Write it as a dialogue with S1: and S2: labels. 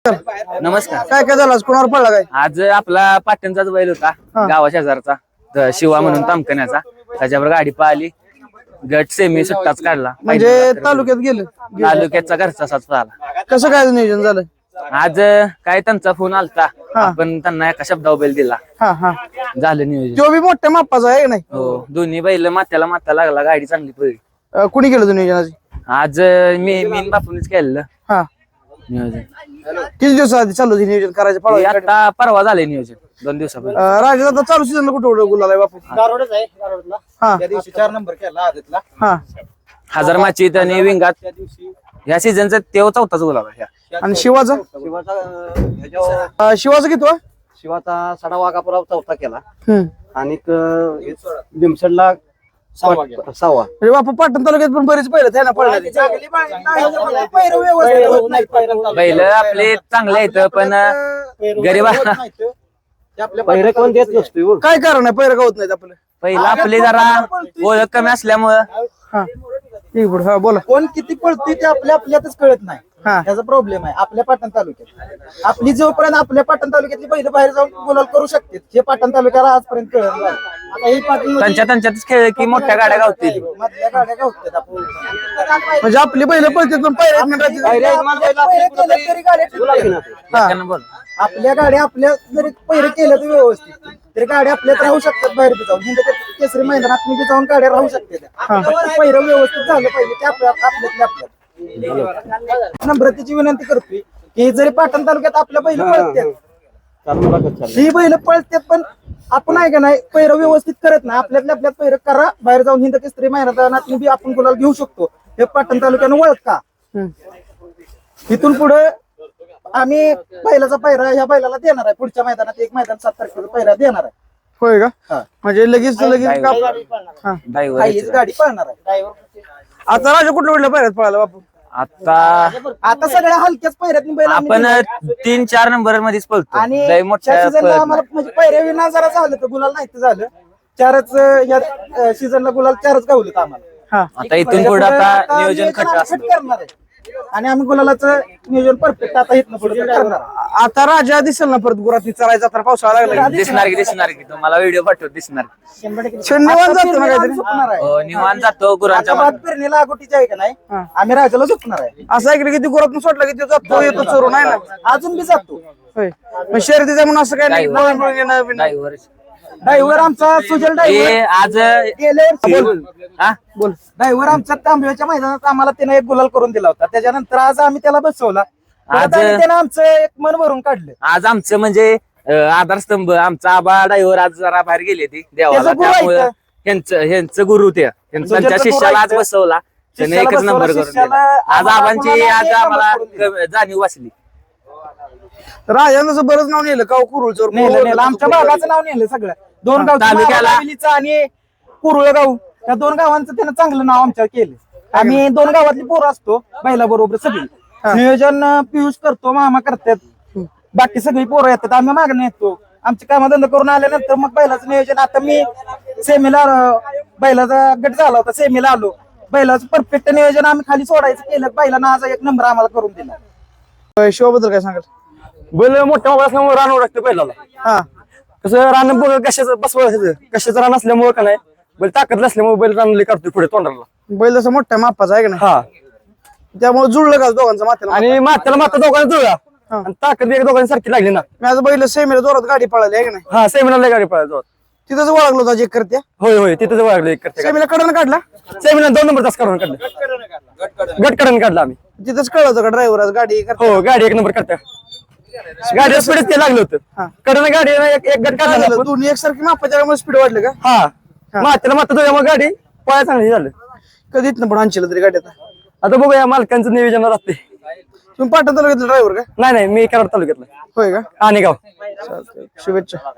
S1: नमस्कार.
S2: नमस्कार.
S1: काय काय झालं आज? कोणावर पडला काय?
S2: आज आपला पाटणचाच बैल होता गावा शेजारचा शिवा म्हणून तामकण्याचा. त्याच्यावर गाडी पाहिली, गट सेमी सुट्टाच काढला.
S1: म्हणजे तालुक्यात गेलं.
S2: तालुक्याचा घरचा साच झाला.
S1: कसं काय नियोजन झालं?
S2: आज काय त्यांचा फोन आलता, आपण त्यांना एका शब्दावर बैल दिला,
S1: हा हा
S2: झालं नियोजन.
S1: तो बी मोठ्या मापाचा आहे का नाही?
S2: हो, दोन्ही बैल माथ्याला माथा लागला, गाडी चांगली पडली.
S1: कुणी केलं होतं नियोजन आज?
S2: आज मी बापूनच केलेलं
S1: हा.
S2: नियोजन.
S1: किती दिवस आधी चालू होती नियोजन करायचं?
S2: हे
S1: पळवायचं?
S2: आता परवा झाले नियोजन, 2 दिवसापूर्वी.
S1: राजा आता चालू सीझनला कुठं गुलाल आहे बापू?
S3: गारोडच आहे गारोडला.
S1: हा
S3: त्या दिवशी 4 नंबर केला आदतला.
S1: हा.
S2: हजार माचीत आणि विंगात
S3: त्या दिवशी
S2: ह्या सीझनचा तेव्हा चौथाच गोल आला.
S1: आणि शिवाचा? शिवाचा किती वा?
S3: शिवाचा सडा वाघापुरा चौथा केला
S1: हम्म.
S3: आणि लिमसडला 6वा.
S1: म्हणजे बापू पाटण तालुक्यात पण बरेच पहिलं आहे ना पळणार.
S2: बैल आपले चांगले आहेत पण गरीबा
S3: पहिरे कोण देत नसतो.
S1: काय कारण आहे पहिलं का होत नाहीत आपलं?
S2: पहिला आपले जरा ओळख कमी असल्यामुळं
S1: हा ठीक आहे, हा बोला.
S3: कोण किती पळतोय ते आपल्यातच कळत नाही.
S1: हा.
S3: त्याचा प्रॉब्लेम आहे आपल्या पाटण तालुक्यात. आपली जोपर्यंत आपल्या पाटण तालुक्यातली बैल बाहेर जाऊन गुलाल करू शकते, हे पाटण तालुक्याला आजपर्यंत कळत नाही. आता हे पाटण
S2: त्यांच्यातच खेळ की मोठ्या गाड्या गावतील.
S3: मधल्या गाड्या गावतात आपण.
S1: म्हणजे आपली बैल पळतात पण
S2: त्यांना बोल.
S3: आपल्या गाड्या आपल्या जरी पहिरे केलं तर व्यवस्थित तरी गाड्या आपल्यात राहू शकतात. बाहेर बी जाऊन हिंद केसरी मैदानात बी जाऊन गाड्या राहू शकतात. पहिरं व्यवस्थित झालं पाहिजे ते आपल्यात नम्रतेची विनंती करतोय की जरी पाटण तालुक्यात आपल्या बैल पळतात, ही बैल पळतात पण आपण आहे का नाही पहिरं व्यवस्थित करत नाही. आपल्यात पहिरं करा, बाहेर जाऊन हिंद केसरी मैदानात बी आपण गुलाल घेऊ शकतो. हे पाटण तालुक्यानं ओळख का. इथून पुढे आम्ही बैलाचा पैरा ह्या बैलाला देणार आहे. पुढच्या मैदानात एक मैदान 7 तारखेला पैरा देणार आहे.
S1: होय
S3: हा.
S1: का? म्हणजे लगेच हा.
S3: हीच गाडी पळणार आहे.
S1: आता राजा कुठल्या कुठल्या पायऱ्यात पळाला बापू?
S3: आता सगळ्या हलक्याच पैऱ्यात बैल आम्ही
S2: आपण
S3: दिलाय.
S2: 3-4 नंबर मध्येच पळतो.
S3: आणि
S2: लय मोठ्या
S3: त्या सीझनला
S2: पळत
S3: आम्हाला
S2: नाही.
S3: म्हणजे पैऱ्या विना जरा झालं तर गुलाल नाही तर झालं. 4च या सीझनला गुलाल 4च गावलेत आम्हाला.
S1: हा.
S2: आता इथून पुढे आता नियोजन खट
S3: आम्ही
S2: असतं.
S3: खट करणार आहे आणि आम्ही गुलालाचं नियोजन परफेक्ट आता इथनं पुढे करणार आहे.
S1: आता राजा दिसेल ना परत गुरात चरायचा तर पावसाळा लागला की.
S2: दिसणार की तुम्हाला व्हिडिओ पाठवत दिसणार.
S3: 100%
S1: शनिवार
S3: आता
S1: जातो ना
S3: पेरणीला
S1: काहीतरी?
S3: आम्ही झोपणार आहे.
S2: हो, निवांत जातो गुरांच्या
S3: आता
S2: मागे.
S3: भात पेरणीला अगोटीची आहे का नाही,
S1: हा.
S3: आम्ही राजाला झोपणार आहे.
S1: असं ऐकलं की ती गुरात सोडला की तो जातो येतो चोरून आहे ना.
S3: अजून बी जातो.
S1: होय. पण शर्यतीचं म्हणून असं काय नाही
S2: ड्रायव्हर.
S1: पळून येणं बिणं.
S2: ड्रायव्हर.
S3: ड्रायव्हर आमचा सुजल
S2: हे
S3: ड्रायव्हर
S2: आज
S3: गेले
S2: हा?
S1: बोल.
S3: ड्रायव्हर आमच्या तांबव्याच्या मैदानात आम्हाला त्याने एक गुलाल करून दिला होता. त्याच्यानंतर आज आम्ही त्याला बसवला.
S2: आज-
S3: त्याने आमचं एक मन भरून काढलं.
S2: आज आमचं म्हणजे आधारस्तंभ आमचा आबा ड्रायव्हर आज जरा बाहेर गेले ती देवाला,
S3: त्याचा गुरु
S2: त्यामुळे
S3: आहे
S2: ह्यांचं गुरु ते त्यांच्या
S3: गुरु
S2: शिष्याला आज
S3: आहे.
S2: बसवला. त्याने
S3: शिष्याला
S2: एकच नंबर
S3: बसवला,
S2: करून दिला.
S3: शिष्याला
S2: आज
S3: आम्हाला
S2: आबांची
S3: कोणाला
S2: आज
S3: एक नंबर
S2: आम्हाला
S3: करून
S2: जाणीव वाचली.
S1: राजानं जसं बरंच नाव नेलं का कुरुळ चोर.
S3: नेलं आमच्या भागाचं नाव नेलं सगळं. 2 गाव
S2: तालुक्याला-
S3: आणि कुरुळगाव या 2 गावांचं त्यानं चांगलं नाव आमच्या केलं. आम्ही 2 गावातली पोरं असतो बैला बरोबर सगळी. नियोजन पियुष करतो, मामा करतात, बाकी सगळी पोरं येतात, आम्ही मागणं येतो. आमचे कामधंदा करून आल्यानंतर मग बैलाचं नियोजन. आता मी सेमीला बैलाचा गट झाला होता, सेमीला आलो. बैलाचं परफेक्ट नियोजन आम्ही खाली सोडायचं केलं. बैलानं आज 1 नंबर आम्हाला करून दिला.
S1: शिवाबद्दल काय सांगाल?
S4: बैल मोठ्या मोबाईल असल्यामुळे रान ओळखते बैलाला.
S1: हा.
S4: कसं रान बघ कशाचं बसवायचं, कशाचं रान असल्यामुळे का नाही बैल ताकद नसल्यामुळे बैल रानले काढतोय पुढे तोंडाला.
S1: बैल जसं मोठ्या मापाचा आहे का नाही?
S4: हा.
S1: त्यामुळे जुळलं का दोघांचं माथ्याला?
S4: आणि मात्याला माता दोघांना जुळला आणि ताकद एक दोघांनी सारखी लागली ना.
S1: मी आज बैल सेमीला जोरात गाडी पळाली आहे का नाही?
S4: हा, सेमिनारला गाडी पळायचो.
S1: तिथंच ओळखलो होता जे करत्या.
S4: होय तिथं ओळखलं एक करते.
S1: सेमीला कडन काढला.
S4: सेमिनार 2 नंबर तास काढून काढलं, गट काढून काढला आम्ही.
S1: तिथंच कळलं होतं का ड्रायव्हर आज गाडी करते?
S4: हो, गाडी 1 नंबर करता. गाडी स्पीड ते लागलं होतं. कडन गाडी एक गट काढला आपण.
S1: दोन्ही एकसारखी मापाच्या स्पीड वाढले का?
S4: हा, मात्याला माता तुझ्यामुळे गाडी पळायला चांगली झालं.
S1: कधीच ना पण आणशील तरी गाडी
S4: आता बघूया मालकांचं नियोजन राहते.
S1: तुम्ही पाटण तालुक्यातला ड्रायव्हर का?
S4: नाही मी कराड तालुक्यातला
S1: होय का?
S4: आणि गाव.
S1: चालतंय. शुभेच्छा.